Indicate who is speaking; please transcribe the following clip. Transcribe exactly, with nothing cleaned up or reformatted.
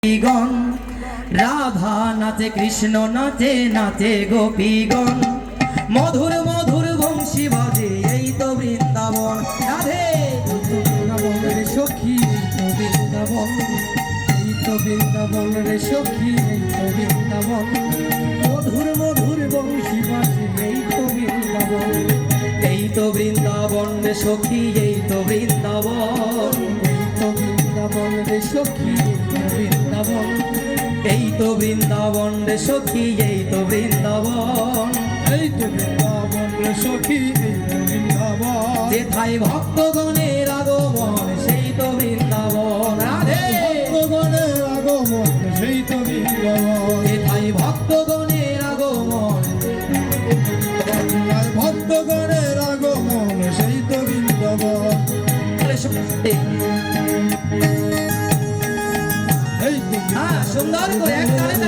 Speaker 1: গোপীগণ রাধা নাচে কৃষ্ণ নাচে নাচে গোপীগণ মধুর মধুর বংশী বাজে এই তো বৃন্দাবন রাধে
Speaker 2: বৃন্দাবন রে সখী তো বৃন্দাবন এই তো বৃন্দাবন রে সখী এই তো বৃন্দাবন মধুর মধুর বংশী বাজে এই তো বৃন্দাবন
Speaker 1: এই তো বৃন্দাবন রে সখী এই তো বৃন্দাবন
Speaker 2: এই তো বৃন্দাবন রে সখী এই তো বৃন্দাবন
Speaker 1: এই তো বৃন্দাবন রে সখী এই তো বৃন্দাবন
Speaker 2: এই তো বৃন্দাবন রে সখী এই তো বৃন্দাবন
Speaker 1: যেথায় ভক্তগণের আগমন সেই তো বৃন্দাবন রাধে
Speaker 2: ভক্তগণের আগমন সেই তো বৃন্দাবন
Speaker 1: যেথায় ভক্তগণের আগমন
Speaker 2: ভক্তগণের আগমন সেই তো বৃন্দাবন
Speaker 1: হ্যাঁ সুন্দর করে এক তালে